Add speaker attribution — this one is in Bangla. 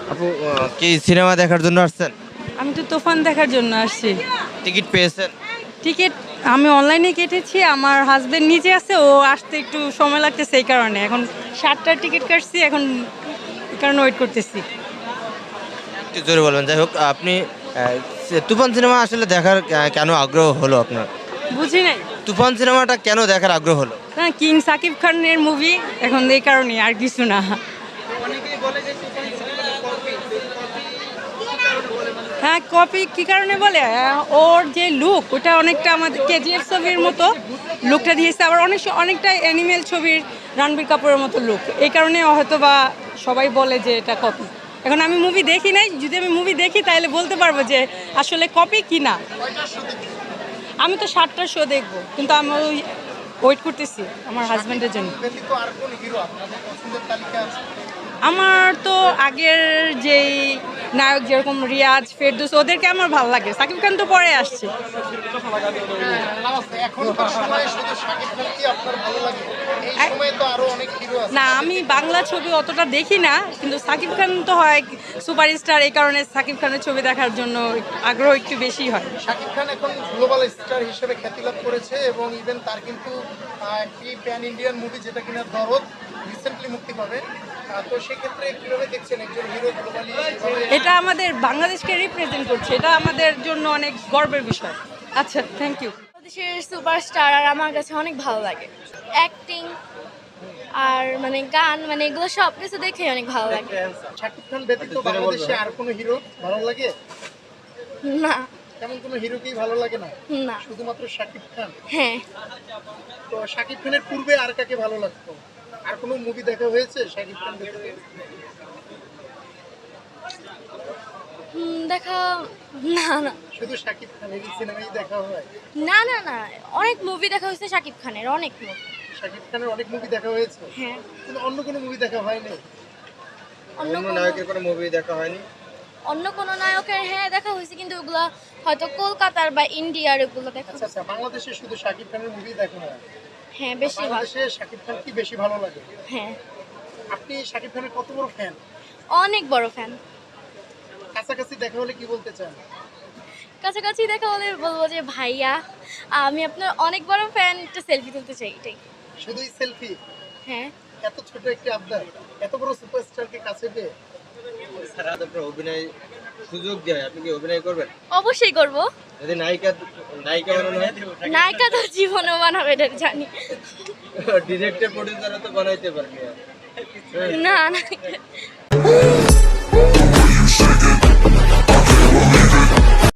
Speaker 1: আপু কি সিনেমা দেখার জন্য আসছেন?
Speaker 2: আমি তো তুফান দেখার জন্য আসছি।
Speaker 1: টিকিট পেয়েছেন?
Speaker 2: টিকিট আমি অনলাইনে কেটেছি, আমার হাজবেন্ড নিচে আছে, ও আসতে একটু সময় লাগতেছে, এই কারণে এখন 7টার টিকিট কাটছি, এখন এই কারণে ওয়েট করতেছি।
Speaker 1: একটু জোরে বলবেন। যাই হোক, আপনি তুফান সিনেমা আসলে দেখার কেন আগ্রহ হলো আপনার?
Speaker 2: বুঝি নাই
Speaker 1: তুফান সিনেমাটা কেন দেখার আগ্রহ হলো?
Speaker 2: না, কিং সাকিব খানের মুভি, এখন এই কারণে, আর কিছু না। হ্যাঁ, কপি কি কারণে বলে, ওর যে লুক ওটা অনেকটা আমাদের কেজিএফ ছবির মতো লুকটা দিয়েছে, আবার অনেকটা অ্যানিমেল ছবির রণবীর কাপুরের মতো লুক, এই কারণে হয়তো বা সবাই বলে যে এটা কপি। এখন আমি মুভি দেখি নাই, যদি আমি মুভি দেখি তাহলে বলতে পারবো যে আসলে কপি কি না। আমি তো 7টার শো দেখবো, কিন্তু আমি ওয়েট করতেছি আমার হাজব্যান্ডের জন্য। আমার তো আগের যেই নায়ক যেরকম রিয়াজ, ফেরদৌস, ওদেরকে আমার ভালো লাগে। সাকিব খান তো পরে আসছে। না, আমি বাংলা ছবি অতটা দেখি না, কিন্তু সাকিব খান তো হয় সুপারস্টার, এই কারণে সাকিব খানের ছবি দেখার জন্য আগ্রহ একটু বেশি হয়।
Speaker 3: শাকিব খান এখন গ্লোবাল স্টার হিসেবে খ্যাতি লাভ করেছে এবং ইভেন তার কিন্তু একটি প্যান ইন্ডিয়ান মুভি যেটা কিনা দরদ রিসেন্টলি মুক্তি পাবে। তো সেক্ষেত্রে কিভাবে দেখছেন একজন হিরো গ্লোবালি?
Speaker 2: এটা আমাদের বাংলাদেশকে রিপ্রেজেন্ট করছে, এটা আমাদের জন্য অনেক গর্বের বিষয়। আচ্ছা, থ্যাংক ইউ।
Speaker 4: বাংলাদেশের সুপারস্টার আর আমার কাছে অনেক ভালো লাগে। অ্যাক্টিং আর মানে গান, মানে এগুলো সব কিছু দেখে অনেক ভালো লাগে।
Speaker 3: শাকিব খান ব্যতীত বাংলাদেশে আর কোনো হিরো ভালো লাগে?
Speaker 4: না।
Speaker 3: তেমন কোনো হিরোকেই ভালো লাগে না,
Speaker 4: না।
Speaker 3: শুধুমাত্র শাকিব খান?
Speaker 4: হ্যাঁ।
Speaker 3: তো শাকিব খানের পূর্বে আর কাকে ভালো লাগতো? আর কোনো মুভি দেখা হয়েছে শাকিব খান ব্যতীত?
Speaker 4: দেখা না না
Speaker 3: শুধু শাকিব খানের সিনেমাই দেখা হয়?
Speaker 4: না না না, অনেক মুভি দেখা হয়েছে শাকিব খানের, অনেক মুভি।
Speaker 3: শাকিব খানের অনেক মুভি দেখা হয়েছে,
Speaker 4: হ্যাঁ।
Speaker 3: কিন্তু অন্য কোনো মুভি দেখা হয়নি?
Speaker 4: অন্য
Speaker 1: অন্য
Speaker 4: কোনো
Speaker 1: নায়কের কোনো মুভি দেখা হয়নি?
Speaker 4: অন্য কোনো নায়কের হ্যাঁ দেখা হয়েছে, কিন্তু ওগুলো হয়তো কলকাতার বা ইন্ডিয়ার ওগুলো দেখা
Speaker 3: আচ্ছা
Speaker 4: হয়েছে।
Speaker 3: আচ্ছা, বাংলাদেশে শুধু শাকিব খানের মুভি দেখা হয়?
Speaker 4: হ্যাঁ, বেশিরভাগ।
Speaker 3: বাংলাদেশে শাকিব খান কি বেশি ভালো লাগে?
Speaker 4: হ্যাঁ,
Speaker 3: আপনি শাকিব খানের কত বড় ফ্যান?
Speaker 4: অনেক বড় ফ্যান।
Speaker 3: কাছাকাছি দেখা হলে কি বলতে চান?
Speaker 4: কাছাকাছি দেখা হলে বলবো যে ভাইয়া, আমি আপনার অনেক বড় ফ্যান, একটা সেলফি তুলতে চাই, এটাই।
Speaker 3: শুধুই সেলফি?
Speaker 4: হ্যাঁ।
Speaker 3: এত ছোট একটি আবদার, এত বড় সুপারস্টারকে কাছে পেয়ে?
Speaker 1: স্যার আপনার অভিনয় সুযোগ দেয়, আপনি কি অভিনয় করবেন?
Speaker 4: অবশ্যই করব।
Speaker 1: যদি নায়িকা নায়িকা বানানো হয়?
Speaker 4: নায়িকা তো জীবনেও বানাবে, এটা জানি।
Speaker 1: ডিরেক্টর প্রডিউসারও তো বানাইতে পারবে।
Speaker 4: না না